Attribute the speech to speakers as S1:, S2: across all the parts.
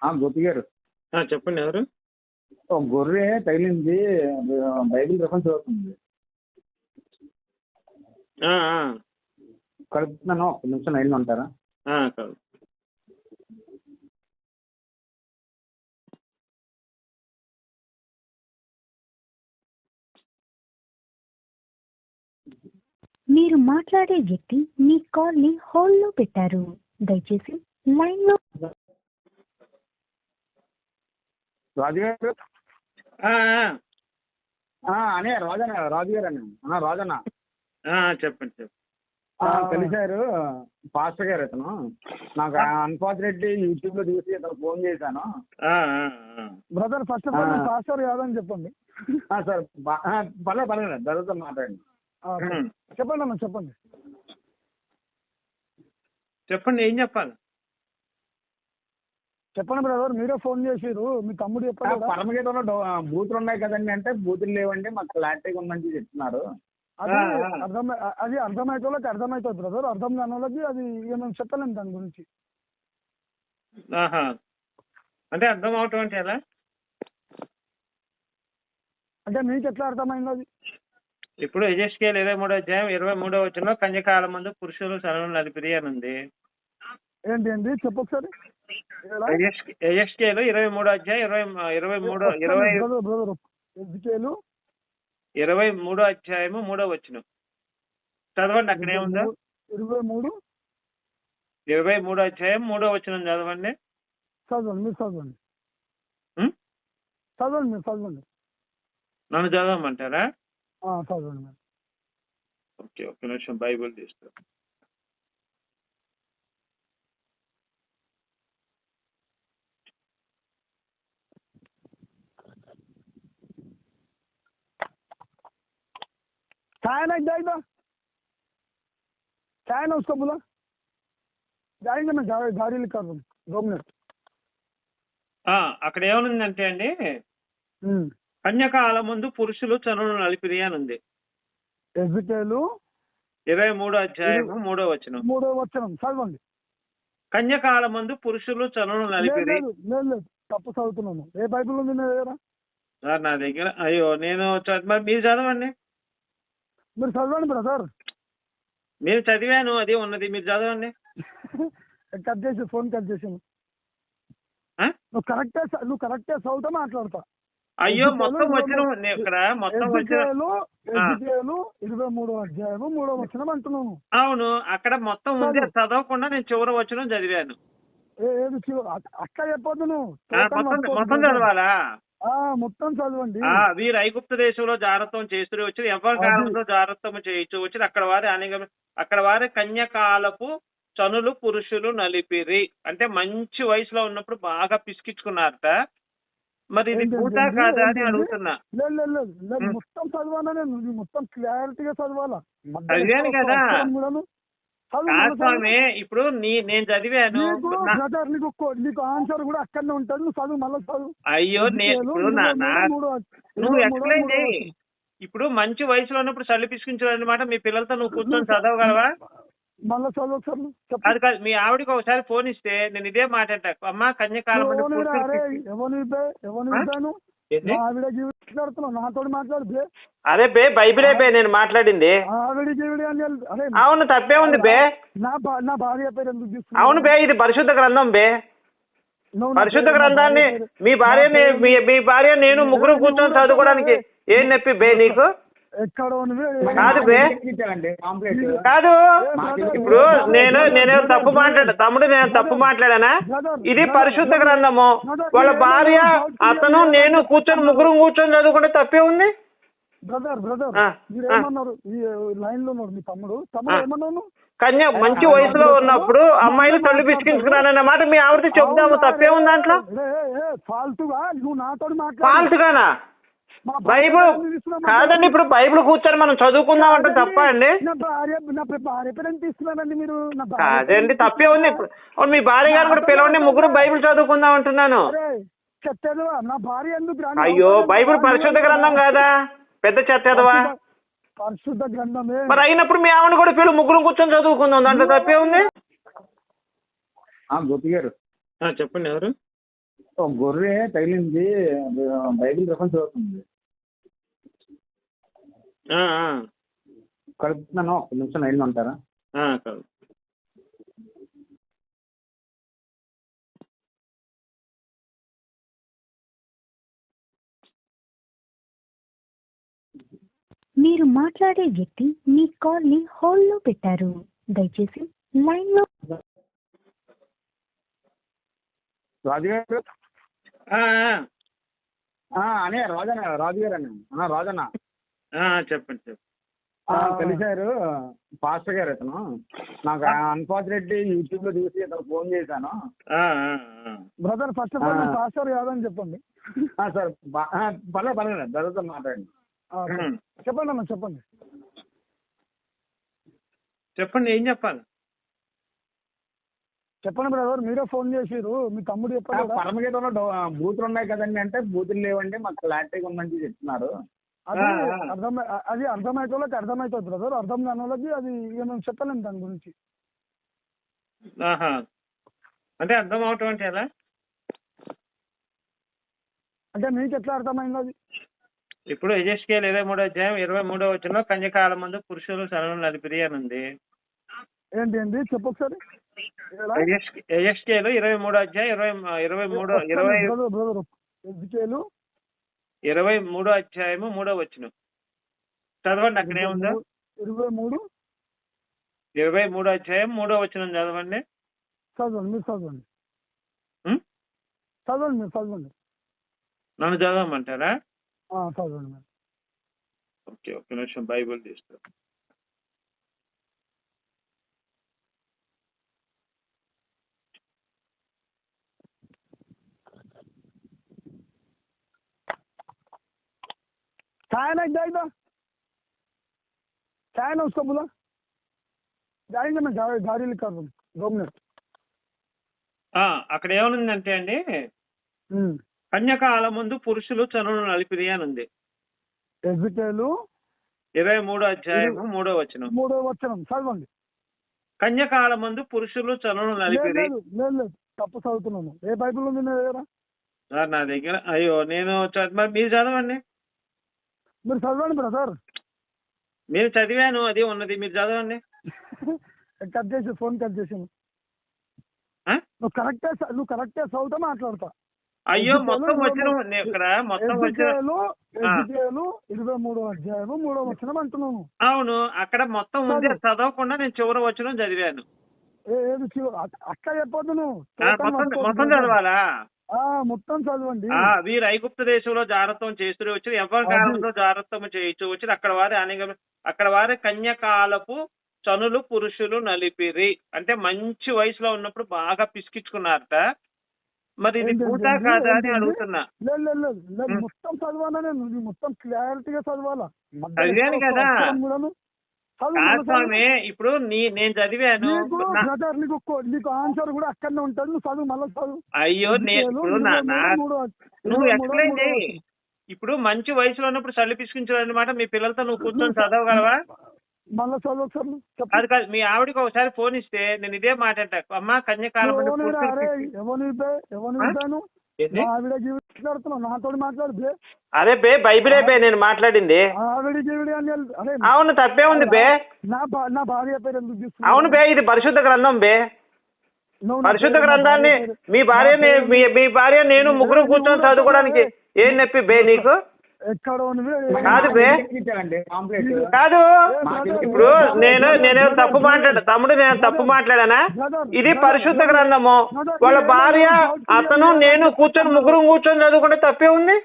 S1: గోపి గారు,
S2: చెప్పండి ఎవరు?
S1: ఒక గొర్రె తగిలింది. బైబిల్ రెఫరెన్స్ అవుతుంది.
S2: ఆ,
S1: కలుపుతున్నాను, ఒక నిమిషం లైన్లో ఉంటారా?
S2: కాదు.
S3: మీరు మాట్లాడే వ్యక్తి మీ కాల్ ని హోల్డ్ లో పెట్టారు. దయచేసి లైన్ లో.
S1: రాజు గారు,
S2: ఆ,
S1: అనే రాజు గారు అన్న రాజన్న.
S2: చెప్పండి.
S1: కలిశారు పాస్టర్ గారు. ఇతను నాకు అన్ఫార్చునేట్లీ యూట్యూబ్ లో చూసి ఇతను ఫోన్ చేశాను.
S4: Brother first of all pastor కాదని చెప్పండి.
S1: సార్ పర్లేదు బ్రదర్తో మాట్లాడండి.
S4: చెప్పండి అన్న, చెప్పండి.
S2: ఏం చెప్పాలి?
S4: చెప్పండి బ్రదర్, మీరే ఫోన్ చేసిరు, మీ తమ్ముడు చెప్పారు.
S1: పరమగీతంలో బూతులు ఉన్నాయి కదండి అంటే బూతులు లేవండి, మాకు క్లారిటీగా ఉందని చెప్తున్నారు.
S4: అది అర్థమైతే వాళ్ళకి అర్థమవుతుంది బ్రదర్, అర్థం కాని వాళ్ళకి అది మేము చెప్పలేము దాని గురించి.
S2: అంటే అర్థం అవటం అంటే ఎలా?
S4: అంటే మీకు ఎట్లా అర్థమైంది అది?
S2: ఇప్పుడు యెహెజ్కేలు 23:23 కన్యకాల ముందు పురుషులు సర్వం నలిపిరి అని ఉంది.
S4: ఏంటి చెప్పు ఒకసారి.
S2: యెహెజ్కేలు 23:3 చదవండి. అక్కడ ఏముందో 23:3 చదవండి.
S4: చదవండి.
S2: నన్ను చదవమంటారా?
S4: చదవండి.
S2: ఓకే, ఒక్క నిమిషం బైబిల్ తీస్తా.
S4: चाय ना उसको बोला, जाएंगे मैं गाड़ी लेकर 2 मिनट.
S2: అక్కడ ఏమనుందంటే అండి, కన్యకాల ముందు పురుషులు చనులు నలిపిరి అని ఉంది.
S4: యెహెజ్కేలు
S2: 23:3
S4: చదవండి.
S2: కన్యకాల ముందు పురుషులు చనులు నలిపిరి.
S4: లేదు, తప్పు చదువుతున్నాను. ఏ బైబిల్ ఉంది నా దగ్గర?
S2: సార్ నా దగ్గర, అయ్యో నేను మరి మీరు చదవండి.
S4: మీరు చదవండి బ్రదర్.
S2: నేను చదివాను, అది ఉన్నది, మీరు చదవండి.
S4: కట్ చేసి ఫోన్ కట్ చేసాను. నువ్వు కరెక్టే చదువుతా మాట్లాడతా.
S2: అయ్యో మొత్తం వచ్చిన ఇక్కడ మొత్తం వచ్చిన
S4: 23:3 అంటున్నాను.
S2: అవును, అక్కడ మొత్తం ఉంది, చదవకుండా నేను చివరి వచనం చదివాను.
S4: అట్లా చెప్పొద్దు నువ్వు,
S2: మొత్తం చదవాలా?
S4: మొత్తం చదవండి.
S2: వీరు ఐగుప్తు దేశంలో జారత్వం చేస్తూ వచ్చి ఎవరి కాలంలో జారత్వం చేయొచ్చు వచ్చి అక్కడ వారి కన్యకాలపు చనులు పురుషులు నలిపిరి. అంటే మంచి వయసులో ఉన్నప్పుడు బాగా పిసికించుకున్నారట. మరి ఇది పూట కాదా అని అడుగుతున్నా.
S4: లేదు, మొత్తం చదవాలా, నేను మొత్తం క్లారిటీగా చదవాలా.
S2: చదివాను కదా స్వామి. ఇప్పుడు నేను చదివాను,
S4: నీకు ఆన్సర్ కూడా అక్కడనే ఉంటుంది, నువ్వు చదువు, మళ్ళీ చదువు.
S2: అయ్యో నువ్వు ఎక్స్ప్లెయిన్ చేయి. ఇప్పుడు మంచి వయసులో ఉన్నప్పుడు చల్లి పిసికించాలన్నమాట. మీ పిల్లలతో నువ్వు కూర్చొని చదవగలవా?
S4: మళ్ళీ చదువు ఒకసారి.
S2: అది కాదు, మీ ఆవిడకి ఒకసారి ఫోన్ ఇస్తే నేను ఇదే మాట్లాడతా. అమ్మ కన్యకాలం
S4: నాతో మాట్లాడు.
S2: అదే బే బైబిలే బే నేను మాట్లాడింది. అవును, తప్పే ఉంది బే.
S4: నా భార్య పేరు ఎందుకు తీసుకున్నా?
S2: అవును బే, ఇది పరిశుద్ధ గ్రంథం బే. పరిశుద్ధ గ్రంథాన్ని మీ భార్య నేను ముగ్గురు కూర్చొని చదువుకోవడానికి ఏం నొప్పి బే నీకు? కాదు బే, కాదు. ఇప్పుడు నేను తప్పు మాట్లాడానా? ఇది పరిశుద్ధ గ్రంథము. వాళ్ళ భార్య అతను నేను ముగ్గురు కూర్చొని చదువుకుంటే తప్పే ఉంది. మంచి వయసులో ఉన్నప్పుడు అమ్మాయిలు తల్లి పిసికించుకున్నానన్న మాట మీ ఆవిడతో చెప్దాము, తప్పే ఉంది దాంట్లో? ఫాల్తుగానా? బైబుల్ కాదండి, ఇప్పుడు బైబుల్ కూర్చొని మనం చదువుకుందాం అంటే తప్ప అండి? కాదండి, తప్పే ఉంది. ఇప్పుడు మీ భార్య గారు కూడా పిలవండి, ముగ్గురు బైబిల్ చదువుకుందాం అంటున్నాను. అయ్యో, బైబిల్ పరిశుద్ధ గ్రంథం కాదా? పెద్ద చెత్తదవా?
S4: పరిశుద్ధ గ్రంథమే.
S2: మరి అయినప్పుడు మీ ఆవిడ కూడా పిల్లలు ముగ్గురు కూర్చొని చదువుకుందాం, దాంట్లో తప్పే ఉంది.
S1: గోపి గారు,
S2: చెప్పండి ఎవరు?
S1: ఒక గొర్రె తగిలింది, బైబిల్ రెఫరెన్స్ అవుతుంది. కలుపుతున్నాను, ఒక్క నిమిషం లైన్లో ఉంటారా?
S3: మీరు మాట్లాడే వ్యక్తి మీ కాల్ ని హోల్డ్ లో పెట్టారు. దయచేసి లైన్ లో.
S1: రాజుగారు అనే రాజుగారు అన్న రాజన్న
S2: చెప్పండి.
S1: కలిశారు పాస్టర్ గారు. ఇతను నాకు అన్ఫార్చునేట్లీ యూట్యూబ్ లో చూసి ఇతను ఫోన్ చేశాను.
S4: Brother first of all pastor కాదని చెప్పండి.
S1: సార్ పర్లేదు బ్రదర్తో మాట్లాడండి.
S4: చెప్పండి అన్న చెప్పండి.
S2: చెప్పండి, ఏం చెప్పాలి?
S4: చెప్పండి బ్రదర్, మీరే ఫోన్ చేసిరు, మీ తమ్ముడు చెప్పారు.
S1: పరమగీతంలో బూతులు ఉన్నాయి కదండి అంటే బూతులు లేవండి, మాకు క్లారిటీగా ఉందని చెప్తున్నారు.
S4: అది అర్థమైతే వాళ్ళకి అర్థమవుతుంది బ్రదర్, అర్థం కాని వాళ్ళకి అది మేము చెప్పలేము దాని గురించి.
S2: అంటే అర్థం అవటం అంటే ఎలా?
S4: అంటే మీకు ఎట్లా అర్థమైంది అది?
S2: ఇప్పుడు యెహెజ్కేలు 23:23 కన్యకాల మందు పురుషులు సరళం నలిపిరి అని ఉంది.
S4: ఏంటి చెప్పు ఒకసారి.
S2: యెహెజ్కేలు 23:3 చదవండి, అక్కడ ఏముందో. 23:3 చదవండి.
S4: చదవండి.
S2: నన్ను చదవమంటారా?
S4: చదవండి.
S2: ఓకే, ఒక్క నిమిషం బైబిల్ తీస్తా.
S4: चाय ना जाएगा, चाय ना उसको बोला, जाएंगे मैं गाड़ी लेकर 2 मिनट.
S2: అక్కడ ఏమనుందంటే అండి, కన్యకాల ముందు పురుషులు చనులు నలిపిరి అని ఉంది.
S4: యెహెజ్కేలు
S2: 23:3
S4: చదవండి.
S2: కన్యకాల ముందు పురుషులు చనులు నలిపిరి.
S4: లేదు తప్పు చదువుతున్నాను. ఏ బైబిల్ ఉంది నా దగ్గర?
S2: సార్ నా దగ్గర, అయ్యో నేను మీరు చదవండి.
S4: మీరు చదవండి బ్రదర్.
S2: నేను చదివాను, అది ఉన్నది, మీరు చదవండి.
S4: కట్ చేసి ఫోన్ కట్ చేసాను. నువ్వు కరెక్టే చదువుతా మాట్లాడతా.
S2: అయ్యో మొత్తం వచ్చిన ఇక్కడ మొత్తం వచ్చిన
S4: 23:3 అంటున్నాను.
S2: అవును, అక్కడ మొత్తం ఉంది, చదవకుండా నేను చివరి వచనం చదివాను.
S4: అక్క చెప్పొద్దు నువ్వు,
S2: మొత్తం చదవాలా?
S4: మొత్తం చదవండి.
S2: వీరు ఐగుప్తు దేశంలో జాగ్రత్తం చేస్తూ వచ్చి ఎవరి కాలంలో జాగ్రత్తం చేయించు వచ్చి అక్కడ వారి కన్యకాలపు చనులు పురుషులు నలిపిరి. అంటే మంచి వయసులో ఉన్నప్పుడు బాగా పిసికించుకున్నారట. మరి ఇది పూట కాదా అని అడుగుతున్నా.
S4: లేదు మొత్తం చదవాలా, నేను మొత్తం క్లారిటీగా చదవాలా.
S2: చదివాను కదా స్వామి. ఇప్పుడు నేను చదివాను,
S4: నీకు ఆన్సర్ కూడా అక్కడనే ఉంటుంది, నువ్వు చదువు మళ్ళీ చదువు.
S2: అయ్యో నువ్వు ఎక్స్ప్లెయిన్ చేయి. ఇప్పుడు మంచి వయసులో ఉన్నప్పుడు చల్లి పిసికించు అనమాట. మీ పిల్లలతో నువ్వు కూర్చొని చదవగలవా?
S4: మళ్ళీ చదువు ఒకసారి.
S2: అది కాదు, మీ ఆవిడకి ఒకసారి ఫోన్ ఇస్తే నేను ఇదే మాట్లాడతా, అమ్మ కన్యకాలం
S4: నాతో మాట్లాడు.
S2: అదే బే బైబిలే బే నేను మాట్లాడింది. అవును, తప్పే ఉంది బే.
S4: నా భార్య పేరు ఎందుకు తీసుకున్నా?
S2: అవును బే, ఇది పరిశుద్ధ గ్రంథం బే. పరిశుద్ధ గ్రంథాన్ని మీ భార్య నేను ముగ్గురు కూర్చొని చదువుకోవడానికి ఏం నొప్పి బే నీకు? కాదు బే, కాదు. ఇప్పుడు నేను తప్పు తమ్ముడు నేను తప్పు మాట్లాడానా? ఇది పరిశుద్ధ గ్రంథము. వాళ్ళ భార్య అతను నేను ముగ్గురు కూర్చొని చదువుకుంటే తప్పే ఉంది.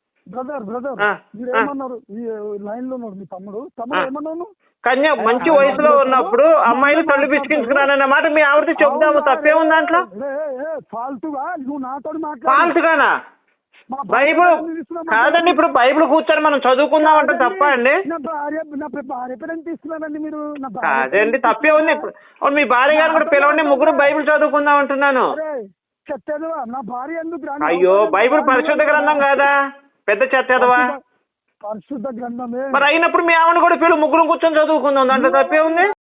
S2: కన్య మంచి వయసులో ఉన్నప్పుడు అమ్మాయిలు తల్లి పిసికించుకున్నానన్న మాట మీ ఆవిడతో చెప్దాము, తప్పే ఉంది దాంట్లో? ఫాల్తుగానా? బైబుల్ కాదండి, ఇప్పుడు బైబుల్ కూర్చొని మనం చదువుకుందాం అంటే తప్ప అండి? కాదండి, తప్పే ఉంది. ఇప్పుడు మీ భార్య గారు కూడా పిలవండి, ముగ్గురు బైబిల్ చదువుకుందాం అంటున్నాను. అయ్యో, బైబిల్ పరిశుద్ధ గ్రంథం కాదా? పెద్ద చెత్తదవా?
S4: పరిశుద్ధ గ్రంథమే
S2: మరి అయినప్పుడు మీ ఆవిడ కూడా పిల్లలు ముగ్గురు కూర్చొని చదువుకుందాం, దాంట్లో తప్పే ఉంది.